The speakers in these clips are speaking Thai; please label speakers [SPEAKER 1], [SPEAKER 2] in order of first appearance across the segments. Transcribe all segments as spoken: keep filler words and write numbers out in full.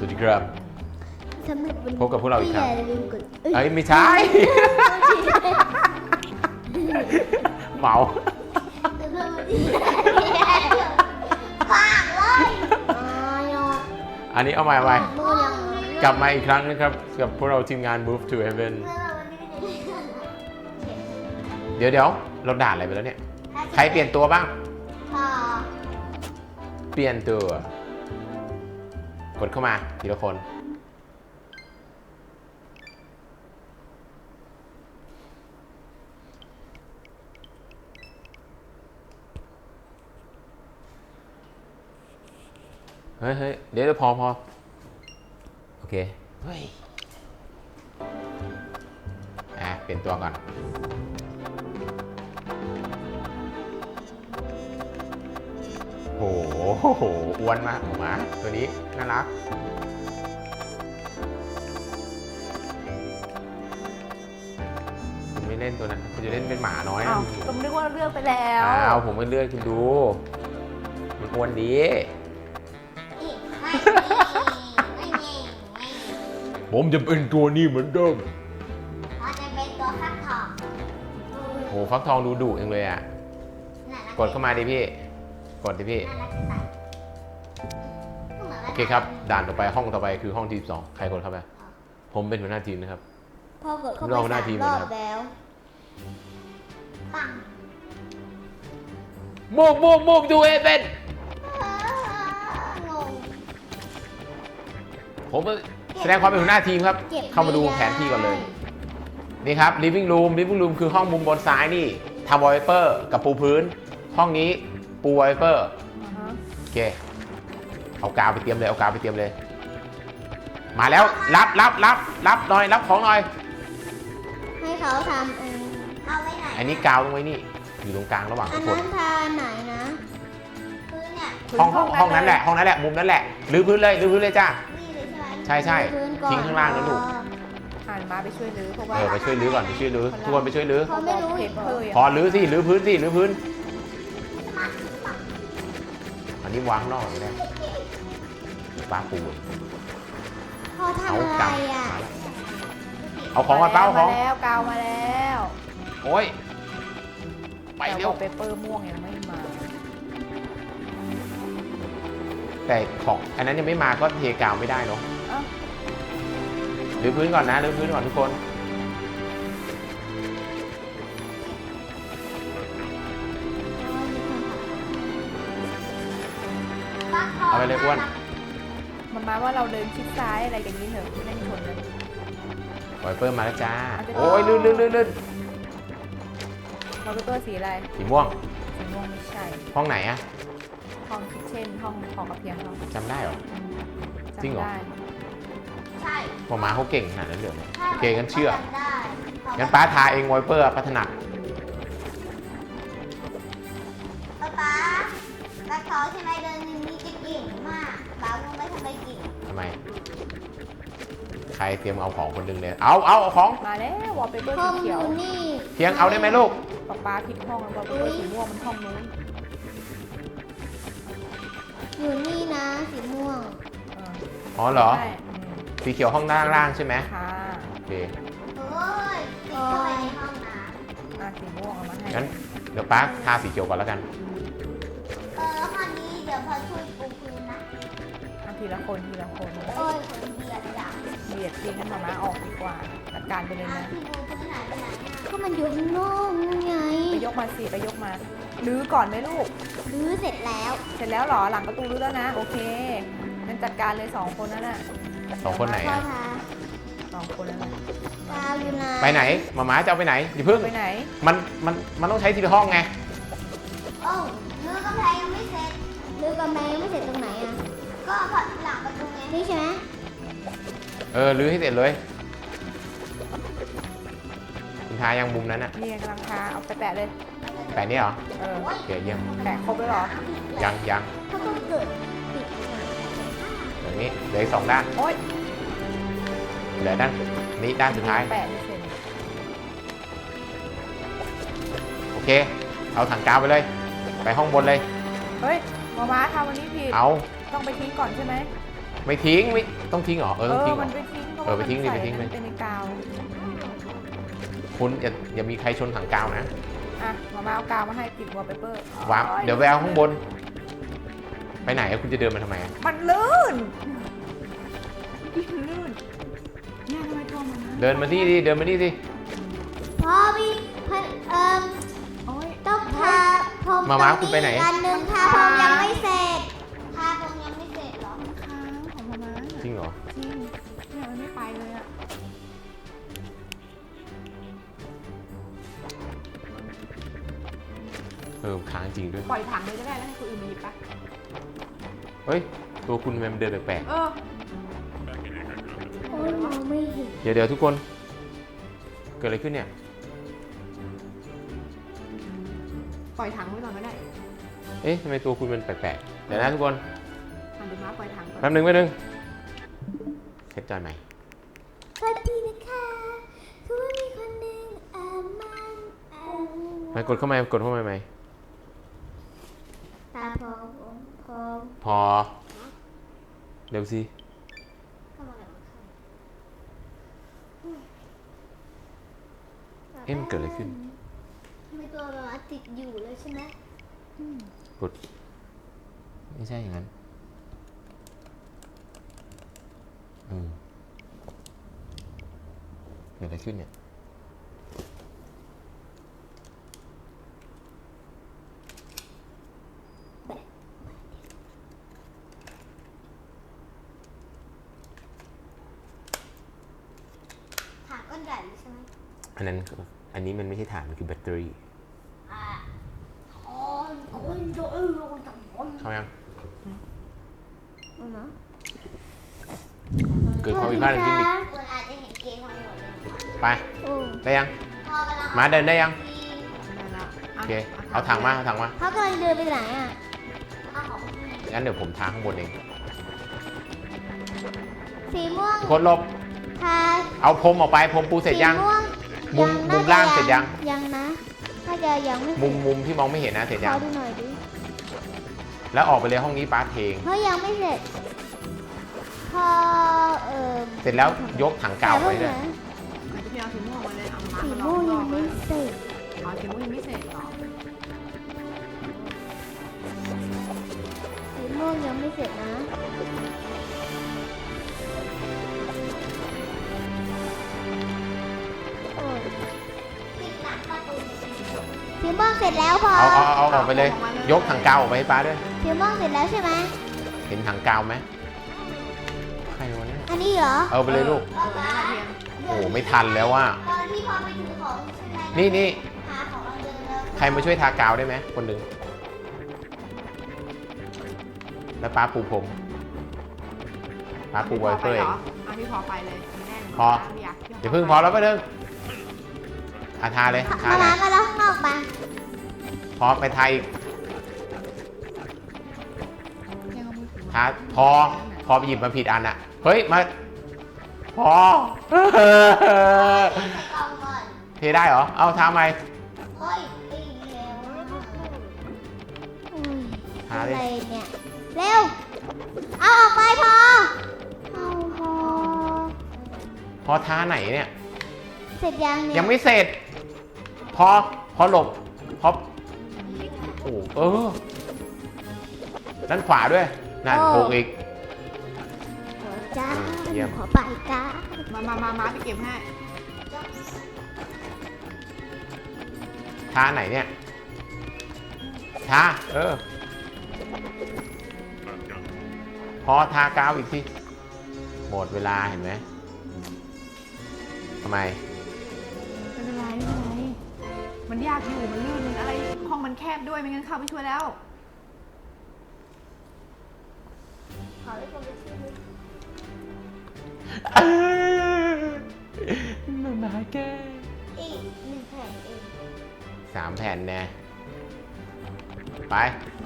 [SPEAKER 1] วัสดีครับพบกับพวกเราอีกครั้งเอ้ยไม่ใช่ เมาอันนี้เอาใหม่เอาใหม่กลับมาอีกครั้งนะครับกับพวกเราทีมงาน Move to Heaven เดี๋ยวเดี๋ยวเราด่าอะไรไปแล้วเนี่ยใครเปลี่ยนตัวบ้างเปลี่ยนตัวกดเข้ามาทีละคนเฮ้ยเฮ้ยเดี๋ยวพอพอโอเคเฮ้ยอ่ะเปลี่ยนตัวก่อนโอ้โหอ้วนมากหมาตัวนี้น่ารักคุณไม่เล่นตัวนั้นคุณจะเล่นเป็นหมาน้อยนะ
[SPEAKER 2] ผมนึกว่าเลือกไปแล้ว
[SPEAKER 1] อ้าวผมไม่เลือกคุณดูมันอ้วนดีผมจะเป็นตัวนี้เหมือนเดิม
[SPEAKER 3] เราจะเป็นตัวฟักทอง
[SPEAKER 1] โอ้ฟักทองดูดุเองเลยอ่ะกดเข้ามาดิพี่กดดิพี่โอเคครับด่านต่อไปห้องต่อไปคือห้องที่สิบสองใครกดเข้าไปผมเป็นหัวหน้าทีมนะครับ
[SPEAKER 3] พ่อกดเข้าไปสามรอบแล้วปัง
[SPEAKER 1] มูฟมูฟมูฟดูเอเป็น
[SPEAKER 3] งง
[SPEAKER 1] ผมแสดงความเป็นหัวหน้าทีมครับเข้ามาดูแผนที่ก่อนเลยนี่ครับ living room living room คือห้องมุมบนซ้ายนี่ทำวอลเปเปอร์กับปูพื้นห้องนี้ปูวอลเปเปอร์โอเคเอากาวไปเตรียมเลยเอากาวไปเตรียมเลยมาแล้วรับรับรับรับหน่อยรับของหน่อย
[SPEAKER 3] ให้เขาทำเองเอาไว้ไหน
[SPEAKER 1] อันนี้กาวตรงไว้นี่อยู่ตรงกลางระหว่างทุกคน
[SPEAKER 3] อันนั้นทาไหนนะพื้นเนี่ย
[SPEAKER 1] ห้องห้องห้องนั้นแหละห้องนั้นแหละมุมนั้นแหละรื้อพื้นเลยรื้อพื้นเลยจ้าใช่ใช่ทิ้งข้างล่างนะลูก
[SPEAKER 2] หันมาไปช่วยรื้อเพราะว่า
[SPEAKER 1] เออไปช่วยรื้อก่อนไปช่วยรื้อทุกคนไปช่วยรื้อ
[SPEAKER 3] เขาไม่รู้
[SPEAKER 1] พอรื้อสิรื้อพื้นสิรื้อพื้นอันนี้วางนอกเลยนะปลาปู
[SPEAKER 3] เขาทำอะไรอ่ะ
[SPEAKER 1] เอาของมาเป้าของ
[SPEAKER 2] มาแล้วกาวมาแล้ว
[SPEAKER 1] โอ้ยไปเร็ว
[SPEAKER 2] เปเปอร์ม่วงยังไม่มา
[SPEAKER 1] แต่ของอันนั้นยังไม่มาก็เทกาวไม่ได้เนาะรื้อพื้นก่อนนะรื้อพื้นก่อนทุกคนเอาไปเลยอ้วน
[SPEAKER 2] มันมาว่าเราเดินชิดซ้ายอะไรกันนี้เถอะไม่ได้ชนเลย
[SPEAKER 1] ไวเปอร์มาแล้วจ้าโอ้ยลื่นลื่นลื่นลื่น
[SPEAKER 2] ไวเปอร์สีอะไร
[SPEAKER 1] สีม่วง
[SPEAKER 2] สีม่วงไม่ใช่
[SPEAKER 1] ห้องไหนอะ
[SPEAKER 2] ห้องคิทเช่นห้องของกระเพียงเรา
[SPEAKER 1] จำได้เหรอจริงเหรอ
[SPEAKER 3] ใช่
[SPEAKER 1] พอมาเขาเก่งขนาดนั้นเลยโอเคงั้นเชื่องั้นป้าทาเองไวเปอร์พัฒนา
[SPEAKER 3] ป๊าป๊าแล้วเขาใช่ไหมเดินนี้จะเก่งมากป๊าลงไปทำไมเก่ง
[SPEAKER 1] ทำไมใครเตรียมเอาของคนหนึ่งเลยเอาเอาเอาของ
[SPEAKER 2] มาแล้ววอลเปเปอร์สีเขียว
[SPEAKER 3] นี่
[SPEAKER 1] เพียงเอาได้ไหมลูก
[SPEAKER 2] ป๊าป๊าผิดห้องแล้ววอลเปเปอร์สีม่วงมันห้องนู้น
[SPEAKER 3] อยู่นี่นะสีม่วง
[SPEAKER 1] อ๋อเหรอสีเขียวห้องด้านล่างใช่ไหม
[SPEAKER 2] ค่ะ
[SPEAKER 1] โอเค
[SPEAKER 3] เฮ้ยสีเข้าไปในห้องน้
[SPEAKER 2] ำอ่ะสีม่วงเอามาให้
[SPEAKER 1] งั้นเดี๋ยวป้าทาสีเขียวก่อนแล้วกัน
[SPEAKER 3] เออห้องนี้เดี๋ยวพอช่วยปูพื้นนะ
[SPEAKER 2] ทีละคนทีละคน
[SPEAKER 3] โอ้ยคนเบียดจ้ะ
[SPEAKER 2] เบียดทีงั้นมามาออกดีกว่าจัดการไปเลยนะ
[SPEAKER 3] พี่ปูพื้นไหนไปไหนก็มันอยู่ข้างนอกนั่นไง
[SPEAKER 2] ไปยกมาสิไปยกมารื้อก่อนไหมลูก
[SPEAKER 3] รื้อเสร็จแล้ว
[SPEAKER 2] เสร็จแล้วหรอหลังประตูรื้อแล้วนะโอเคงั้นจัดการเลยสองคนนั่นน่ะ
[SPEAKER 1] สองคนไหนอ่ะ
[SPEAKER 2] สองคนนั่นน่ะ
[SPEAKER 1] ไปไหนมาม้าจะเอาไปไหนอย่าเพิ่ง
[SPEAKER 2] ไปไหน
[SPEAKER 1] มันมันมันต้องใช้ทีละห้องไง
[SPEAKER 3] โอ้รื้อกำแพงยังไม่เสร็จรื้อกำแพงยังไม่เสร็จตรงไหนอ่ะก็หลังประตูไงนี่ใช่ไหม
[SPEAKER 1] เออรื้อให้เสร็จเลยคุณทายังมุมนั้นอ่ะ
[SPEAKER 2] นี่กำลังทาเอาไปแปะเลย
[SPEAKER 1] แปะนี่เหรอ
[SPEAKER 2] เออ
[SPEAKER 1] โอเคเยี่ยม
[SPEAKER 2] แปะครบแล้วหรอ
[SPEAKER 1] ยังยัง
[SPEAKER 3] เขาต้องเกิดปิด
[SPEAKER 1] อย่างนี้เหลือสองด้าน
[SPEAKER 2] โอ๊ย
[SPEAKER 1] เหลือด้านนี้ด้านสุดท้าย
[SPEAKER 2] แปะไม่เสร็จ
[SPEAKER 1] โอเคเอาถังกาวไปเลยไปห้องบนเลย
[SPEAKER 2] เฮ้ยมาม้าทำวันนี้ผิด
[SPEAKER 1] เอา
[SPEAKER 2] ต้องไปทิ้งก่อนใช่ไหม
[SPEAKER 1] ไม่ทิ้งไม่ต้องทิ้งเหรอเออต้องทิ้งเหร
[SPEAKER 2] มั
[SPEAKER 1] อน
[SPEAKER 2] ไปทิ้ง
[SPEAKER 1] เออไปทิ้งดิไปทิ้ง
[SPEAKER 2] เล
[SPEAKER 1] เลย ย
[SPEAKER 2] เป็นในกาว
[SPEAKER 1] คุณอย่าอย่ามีใครชนถังกาวนะ
[SPEAKER 2] อ่ะมามาเอากาวมาให้ติดวอลเปเปอร์
[SPEAKER 1] วางเดี๋ยวแววข้างบน ไปไหนอะคุณจะเดินมาทำไมอะ
[SPEAKER 2] มันลื่นมันลื่นเนี่ยทำไมตัวมันนะ
[SPEAKER 1] เดินมาที่ดิเดินมาที่ดิ
[SPEAKER 3] พอมีพันเอ่อ
[SPEAKER 2] โอ๊ย
[SPEAKER 3] ต้องทาพรม
[SPEAKER 1] มาม้าคุณไปไหน
[SPEAKER 3] อันหนึ่งทาพรมยังไม่เสร็จทาพรมยังไม่เสร็จเหรอ
[SPEAKER 2] ค้างของมาม้า
[SPEAKER 1] จริงเหรอ
[SPEAKER 2] จริงเนี่ยมันไม่ไปเลยอะ
[SPEAKER 1] เออค้างจริงด้วย
[SPEAKER 2] ปล่อยถังเลยก็ได้แล้วให้คนอื่นมาหยิบไป
[SPEAKER 1] เฮ้ยตัวคุณทำไมมันเดินแปลก
[SPEAKER 2] เออ
[SPEAKER 3] โอ้ยมองไม่เห็น
[SPEAKER 1] ๆเดี๋ยวเดี๋ยวทุกคน เกิดอะไรขึ้นเนี่ย
[SPEAKER 2] ปล่อยถังไว้ก่อนก็ได้
[SPEAKER 1] เอ๊ะทำไมตัวคุณมันแปลกๆเดี๋ยวนะทุกคน
[SPEAKER 2] ทำดูม้าปล่อยถังก่อน
[SPEAKER 1] แป๊บนึงแป๊บนึงเซตจอยใหม่
[SPEAKER 3] สวัสดีนะคะคือว่ามีคนหนึ่งเอ่อมันเอ่อ
[SPEAKER 1] มากดเข้ามากดเข้ามาไหม
[SPEAKER 3] ตาพรมพรม
[SPEAKER 1] พอ เดี๋ยวสิ
[SPEAKER 3] เข้ามาแล้ว
[SPEAKER 1] เอ๊ะมันเกิดอะไรขึ้น
[SPEAKER 3] ทำไมตัวแบบว่าติดอยู่เลยใช่ไหม
[SPEAKER 1] กด ไม่ใช่อย่างนั้นอืมเกิดอะไรขึ้นเนี่ย
[SPEAKER 3] ถามก้อนใหญ่เลยใช่ไหม
[SPEAKER 1] อันนั้นอันนี้มันไม่ใช่ถ่านมันคือแบตเตอรี่
[SPEAKER 3] อ่าอ๋อคนโดนโดนจับคน
[SPEAKER 1] เข้ายัง
[SPEAKER 3] อือเนาะ
[SPEAKER 1] เกิดความผิดพลาดทางเทคนิค
[SPEAKER 3] คนอาจจะเห็นเกมของหนูเลย
[SPEAKER 1] ไป
[SPEAKER 3] โอ้
[SPEAKER 1] ได้ยัง
[SPEAKER 3] พ่อกำลัง
[SPEAKER 1] มาเดินได้ยัง
[SPEAKER 2] ได้แล้ว
[SPEAKER 1] โอเค เอาถังมา เอาถังมา
[SPEAKER 3] พ่อกำลังเดินไปไหนอ่ะเอาของ
[SPEAKER 1] งั้นเดี๋ยวผมทาข้างบนเอง
[SPEAKER 3] สีม่วง
[SPEAKER 1] ทุกคนหลบ
[SPEAKER 3] ทา
[SPEAKER 1] เอาพรมออกไป พรมปูเสร็จยัง
[SPEAKER 3] สีม่วง
[SPEAKER 1] มุม
[SPEAKER 3] ยัง
[SPEAKER 1] มุมล่างเสร็จยัง
[SPEAKER 3] ยังนะน่าจะยังไม่
[SPEAKER 1] มุมมุมที่มองไม่เห็นนะเสร็จ
[SPEAKER 3] ข
[SPEAKER 1] ยั
[SPEAKER 3] อง ดูหน่อยดิ
[SPEAKER 1] แล้วออกไปเลยห้องนี้ป้าเทง
[SPEAKER 3] เฮ้ยยังไม่เสร็จ พอเอ่อ
[SPEAKER 1] เสร็จแล้วยกถังกาวไว้เลย
[SPEAKER 2] อาจจะพี่เอาสีม่วงมาเลยเอาม้า
[SPEAKER 3] สี
[SPEAKER 2] มาลอ
[SPEAKER 3] ม่วง
[SPEAKER 2] ง
[SPEAKER 3] ยัง
[SPEAKER 2] เล
[SPEAKER 3] ไม่
[SPEAKER 2] ย
[SPEAKER 3] เสร็จ
[SPEAKER 2] อ๋อสีม่วงยังไม่เสร็จเหรอ
[SPEAKER 3] สีม่วงยังไม่เสร็จนะโอ้ยสีม่วงเสร็จแล้วพอ
[SPEAKER 1] เอาเอาเอาออกไปเลย ยกถังกาวออกไปให้ป้าด้วย
[SPEAKER 3] สีม่วงเสร็จแล้วใช่ไหม
[SPEAKER 1] เห็นถังกาวไหมใครวะเนี่ย
[SPEAKER 3] อันนี้เหรอ
[SPEAKER 1] เอาไปเลยลูก
[SPEAKER 2] เออนั่นแหละเพียง
[SPEAKER 1] โอ้ไม่ทันแล้วว่า
[SPEAKER 3] ตอนที่พอไปถือของใช่ไหม
[SPEAKER 1] นี่นี่
[SPEAKER 3] หาของเราเดินแล้ว
[SPEAKER 1] ใครมาช่วยทากาวได้ไหมคนหนึ่งแล้วป้าปูพรมป้าปูไวเปอร์เอง
[SPEAKER 2] เอาพี่พอไปเลยแน่น
[SPEAKER 1] พอ
[SPEAKER 2] อยาก
[SPEAKER 1] เดี๋ยวพึ่งพอแล้วไปเดินอาทาเลยทา
[SPEAKER 3] มา
[SPEAKER 1] ไหน
[SPEAKER 3] ล้างมาแล้วข้างนอกมา
[SPEAKER 1] พอไปทาอีกทาพอพอไปหยิบมาผิดอันอะเฮ้ยมาพอ
[SPEAKER 3] กองก่อน
[SPEAKER 1] เทได้เหรอเอาทาไหม
[SPEAKER 3] เฮ้ยตีแล้วอุ้ย
[SPEAKER 1] ทา
[SPEAKER 3] อะ
[SPEAKER 1] ดิ
[SPEAKER 3] ไรเนี่ย เร็ว เอาออกไปพอ เอาพอ
[SPEAKER 1] พอทาไหนเนี่ย
[SPEAKER 3] เสร็จยังเนี่ย
[SPEAKER 1] ยังไม่เสร็จ พอพอหลบพอโอ้เออด้านขวาด้วยนั่นโผล่อีก
[SPEAKER 3] เดี๋ยวจ้า
[SPEAKER 1] เยี่ยม
[SPEAKER 3] ขอไปจ้า
[SPEAKER 2] มามามามาไปเก็บให้
[SPEAKER 1] ทาไหนเนี่ยทาเออ พอทากาวอีกทีหมดเวลาเห็นไหมทำไม
[SPEAKER 2] ไม่เป็นไรไม่เป็นไรมันยากอยู่มันลื่นมันอะไรห้องมันแคบด้วยไม่งั้นเข้าไปช่วยแล้ว
[SPEAKER 3] ขอให้คนไปช่วยด้วย
[SPEAKER 1] มามาแก
[SPEAKER 3] อีกหนึ่งแผ่นเอง
[SPEAKER 1] สามแผ่นแน่ไป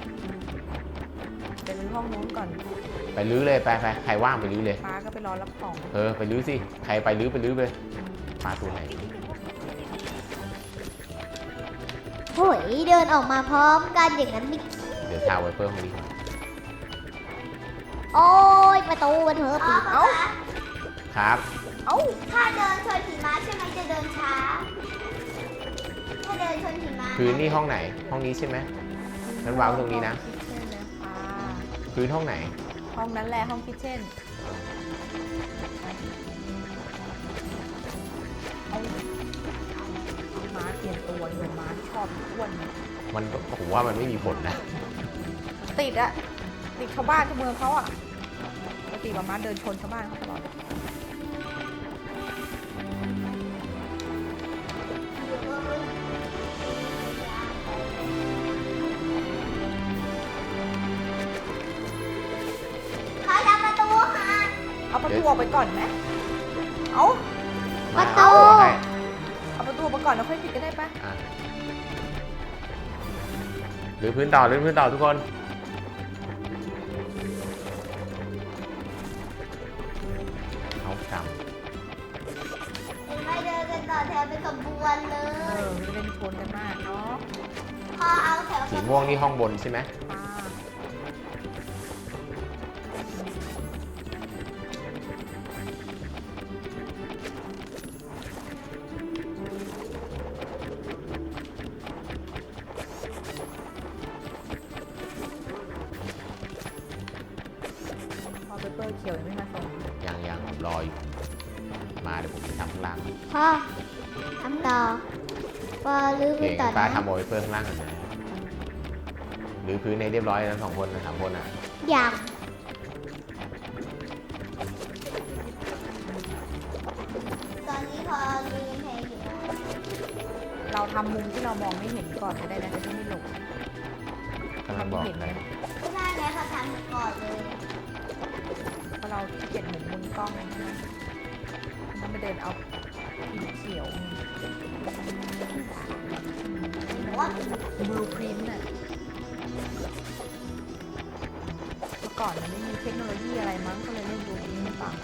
[SPEAKER 2] ไปรื้อห้องนู้นก่อน
[SPEAKER 1] ไปลื้อเลยไปไปใครว่างไปลื้อเลย
[SPEAKER 2] ป้าก็ไปรอรับของ
[SPEAKER 1] เออไปลื้อสิใครไปลื้อไปลื้อไปปลาตัวไหน
[SPEAKER 3] โหยเดินออกมาพร้อมกันอย่างนั้นไม่
[SPEAKER 1] เดี๋ยวทาไวเปอร์ห้องนี้ก่อน
[SPEAKER 3] โอ้ยประตูมันเถอะปี
[SPEAKER 2] เอ้า
[SPEAKER 1] ครับ
[SPEAKER 2] เอ้า
[SPEAKER 3] ถ้าเดินชนหิมะใช่ไหมจะเดินช้า ถ้าเดินชนหิมะ
[SPEAKER 1] พื้นนี่ห้องไหนห้องนี้ใช่ไหมงั้นวางตรงนี้นะ
[SPEAKER 2] คิทเช่นเลยค่ะ
[SPEAKER 1] พื้นห้องไหน
[SPEAKER 2] ห้องนั้นแหละห้องคิทเช่นเอาม้าเปลี่ยนตัวเลยม้าชอบอ้วน
[SPEAKER 1] มันผมว่ามันไม่มีผลนะ
[SPEAKER 2] ติดอะติดชาวบ้านชาวเมืองเขาอะปกติม้าเดินชนชาวบ้านเขาตลอด
[SPEAKER 3] เขาทำประตูค่ะ
[SPEAKER 2] เอาประตูออกไปก่อนไหมเอา
[SPEAKER 1] มา
[SPEAKER 3] ประตู
[SPEAKER 1] เอาให้
[SPEAKER 2] เอาประตูออกไปก่อนแล้วค่อยปิดก็ได้ปะ
[SPEAKER 1] อ่ะหรือพื้นต่อหรือพื้นต่อทุกคนเอาก
[SPEAKER 3] เห็นไหมเดินกันต่อแถวเป็นขบวนเล
[SPEAKER 2] เอย อไม่ได้ชนกันมากเนาะ
[SPEAKER 3] พอเอาแถว
[SPEAKER 1] ำสีม่วงนี่ห้องบนใช่ไหม
[SPEAKER 2] อ่า พอเปเปอร์เขียวยังไม่มาส่ง
[SPEAKER 1] ยังยังผมรออยู่มาเดี๋ยวผมไปทำข้างล่าง
[SPEAKER 3] พ่อทำต่อพอลื้อ
[SPEAKER 1] โอเค
[SPEAKER 3] ไปต่อ
[SPEAKER 1] งั้นป้า
[SPEAKER 3] นะ
[SPEAKER 1] ทำโอเวอร์ข้างล่างกันนะหรือพื้นในเรียบร้อยแล้วสองคนนะสามคนอ่ะ
[SPEAKER 3] อย่างตอนนี้พอลื้อเพลงอยู่นะ
[SPEAKER 2] เราทำมุมที่เรามองไม่เห็นก่อนก็ได้นะจะได้ไม่หลง
[SPEAKER 1] กำลังบอกเลย
[SPEAKER 3] ไม่ได้ไงเขาทำก่อนเลย
[SPEAKER 2] เพราะเราขี้เกียจหมุนมุมกล้องนะต้องไปเดินเอาผิวเขียว
[SPEAKER 3] ว่า
[SPEAKER 2] บลูพรินต์น่ะเมื่อก่อนมันไม่มีเทคโนโลยีอะไรมั้งก็เลยเล่นบลูพรินต์ไม่ฟัง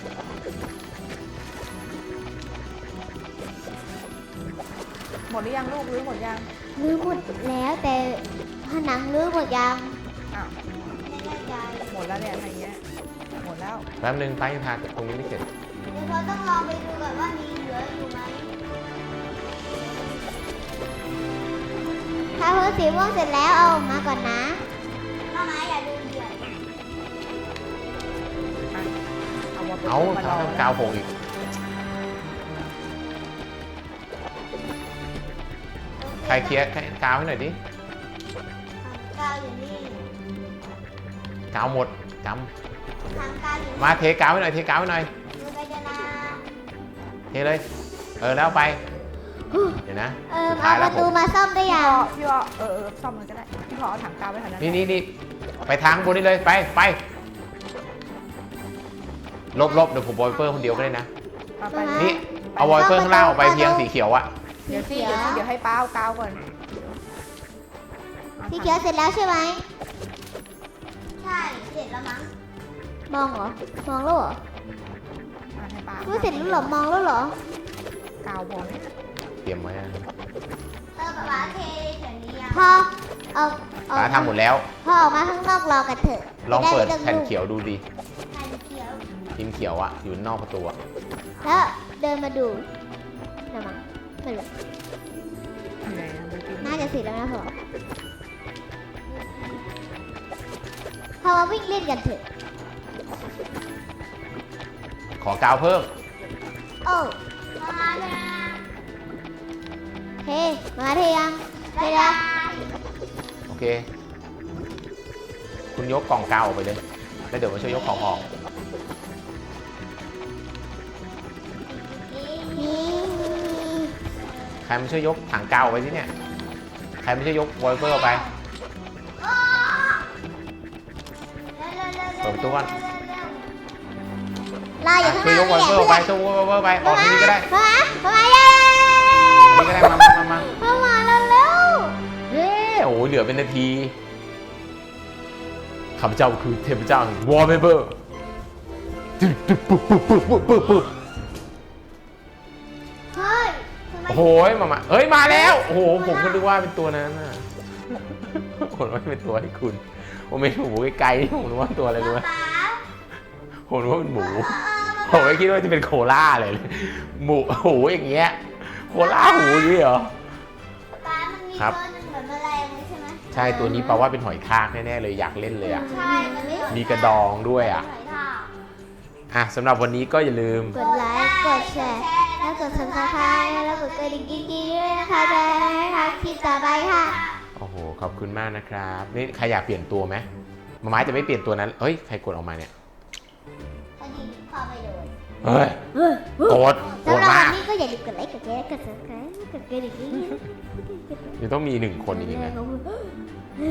[SPEAKER 2] หมดหรือยังลูกรื้อหมดยัง
[SPEAKER 3] ลื้อหมดแล้วแต่ผนังลื้อหมดยัง
[SPEAKER 2] อ้าว
[SPEAKER 3] ไม่แน่ใจ
[SPEAKER 2] หมดแล้วเนี่ยอะไรเงี้ยหมดแล้ว
[SPEAKER 1] แป๊บนึงป้ายังทาตรงนี้ไม่เสร็จ
[SPEAKER 3] เดี๋ยวเราต้องลองไปดูก่อนว่ามีเหลืออยู่ไหมถ้าเพิ่สีม่วงเสร็จแล้วเอาออกมาก่อนนะมามาอย่าลืมเดือด
[SPEAKER 2] อ่ะเอาวอลเป
[SPEAKER 1] เอา
[SPEAKER 2] เปอร์มารอ
[SPEAKER 1] ทำกาวโผงอีกใครเคลียร์ใครกาวให้หน่อยดิ
[SPEAKER 3] กาวอยู่นี่
[SPEAKER 1] กาวหมดก
[SPEAKER 3] ทางกาวอยู่
[SPEAKER 1] ำมาเทกาวให้หน่อยเทกาวให้หน่อย
[SPEAKER 3] ดูไปจะนา
[SPEAKER 1] เทเลย เออแล้วเอาไป เดี๋ยวนะ
[SPEAKER 3] เออ
[SPEAKER 1] สุด
[SPEAKER 3] เอา
[SPEAKER 1] ท้าย
[SPEAKER 3] ป
[SPEAKER 1] แล้ว
[SPEAKER 3] ระ
[SPEAKER 1] ผ
[SPEAKER 3] ตู
[SPEAKER 1] ม
[SPEAKER 3] มาซ่อมได้
[SPEAKER 2] พี่
[SPEAKER 3] ยั
[SPEAKER 2] พอง พี่พอเออเออซ่อมมันก็ได้พี่พอเอาถังกาวไว้แถวนั้น
[SPEAKER 1] นี่นี่นี่ไปทางบนนี้เลยไปไปลบลบเดี๋ยวผมบอยเปอร์คนเดียวก็ได้นะ
[SPEAKER 2] ไปไป
[SPEAKER 1] นี่เอาวอยเปอร์ข้างล่างออกไปเพียงสีเขียวอะ
[SPEAKER 2] เดี๋ยวสิเดี๋ยวสิเดี๋ยวให้ป้าเอากาวก่อน
[SPEAKER 3] สีเขียวเสร็จแล้วใช่ไหมใช่เสร็จแล้วมั้งมองเหรอมองแล้วเหรอ
[SPEAKER 2] อ่ะให้ป้า
[SPEAKER 3] รู้เสร็จแล้วเหรอมองแล้วเหรอก
[SPEAKER 2] าวพอไหม
[SPEAKER 1] เตรียมไว้นะ
[SPEAKER 3] เออป๊าเทแถวนี้ยังพ่อเอาเอา
[SPEAKER 1] ป้าทำหมดแล้ว
[SPEAKER 3] พ่อออกมาข้างนอกรอกันเถอะ
[SPEAKER 1] ลองเปิด
[SPEAKER 3] จะไ
[SPEAKER 1] แผ่นเขียวดูดิ
[SPEAKER 3] แผ่นเขียว
[SPEAKER 1] พิมพ์เขียวอะอยู่นอกประตูอะ
[SPEAKER 3] แล้วเดินมาดูนะมั้งไม่รู้
[SPEAKER 2] อยู่ไหนอะดูสิ
[SPEAKER 3] น่าจะเสร็จแล้วนะพ่อพ่อมาวิ่งเล่นกันเถอะ
[SPEAKER 1] ขอกาวเพิ่ม
[SPEAKER 3] โอ้มาเลยเฮ้มาเทยังเทยัง
[SPEAKER 1] โอเค คุณยกกล่องกาวออกไปเลย แล้วเดี๋ยวมาช่วยยกของออก
[SPEAKER 3] นี่
[SPEAKER 1] ใครมาช่วยยกถังกาวออกไปที่เนี่ย ใครมาช่วยยกวอยเปอร์ออกไป เปิดประตูก่อน
[SPEAKER 3] รออยู่ข้างห
[SPEAKER 1] ช่วยย
[SPEAKER 3] น้าก
[SPEAKER 1] วอยเปอร์ออกไปช่วยยกวอยเปอร์ออกไป ออกที่นี่ก็ได้
[SPEAKER 3] มามามาเย้
[SPEAKER 1] นี่ก็ได้ มามามามา
[SPEAKER 3] มามาเร็วเร็ว
[SPEAKER 1] เย้โอ้ยเหลือเป็นนาที ข้าพเจ้าคือเทพเจ้าแห่งวอลเปเปอร์ปึ๊บปึ๊บปึ๊บปึ๊บปึ๊บปึ๊บปึ๊บ
[SPEAKER 3] เฮ้ยทำไม
[SPEAKER 1] โอ้โหมามาเฮ้ย มาแล้ว โอ้โห ผมก็นึกว่าเป็นตัวนั้นน่ะผมว่าเป็นตัวให้คุณ ผมไม่ถูกไกลๆผมนึกว่าตัวอะไรรู้ไหม
[SPEAKER 3] ป๊า
[SPEAKER 1] ผผมรู้ว่าเป็นหมู ผมไม่คิดว่าจะเป็นโคล่าเลย หมูหูอย่างเงี้ย โคล่าหูอย่างนี้เหรอ
[SPEAKER 3] ป้ามันมี
[SPEAKER 1] ครับ
[SPEAKER 3] ตัวหนึงเหมือนแมลงเลยใช่ไหม
[SPEAKER 1] ใช่ตัวนี้แปลว่าเป็นหอยทากแน่ๆเลยอยากเล่นเลยอ่ะ
[SPEAKER 3] ใช่มันไม่
[SPEAKER 1] มีกระดองด้วยอ่ะ
[SPEAKER 3] หอยทาก
[SPEAKER 1] อ่ะสำหรับวันนี้ก็อย่าลืม
[SPEAKER 3] กดไลค์กดแชร์แล้วกดซับสไครต์แล้วกดกระดิ่งกิ๊งๆด้วยนะคะจะได้ไม่พลาดคลิปต่อไปค่ะ
[SPEAKER 1] โอ้โห ขอบคุณมากนะครับ นี่ใครอยากเปลี่ยนตัวไหมมาม้าจะไม่เปลี่ยนตัวนั้น เฮ้ย ใครกดออกมาเนี่ย
[SPEAKER 3] พอดีเข้าไปโดน
[SPEAKER 1] เฮ้ย โกรธโกร
[SPEAKER 3] สำ
[SPEAKER 1] ธ
[SPEAKER 3] หรับวั
[SPEAKER 1] มาน ก
[SPEAKER 3] นี้ก็อย่าลืมกดไลค์กดแชร์กดซับสไครต์กดกระดิ่งกิ๊งๆ
[SPEAKER 1] ยังต้องมีหนึ่งคนอีกนะ
[SPEAKER 3] ๆ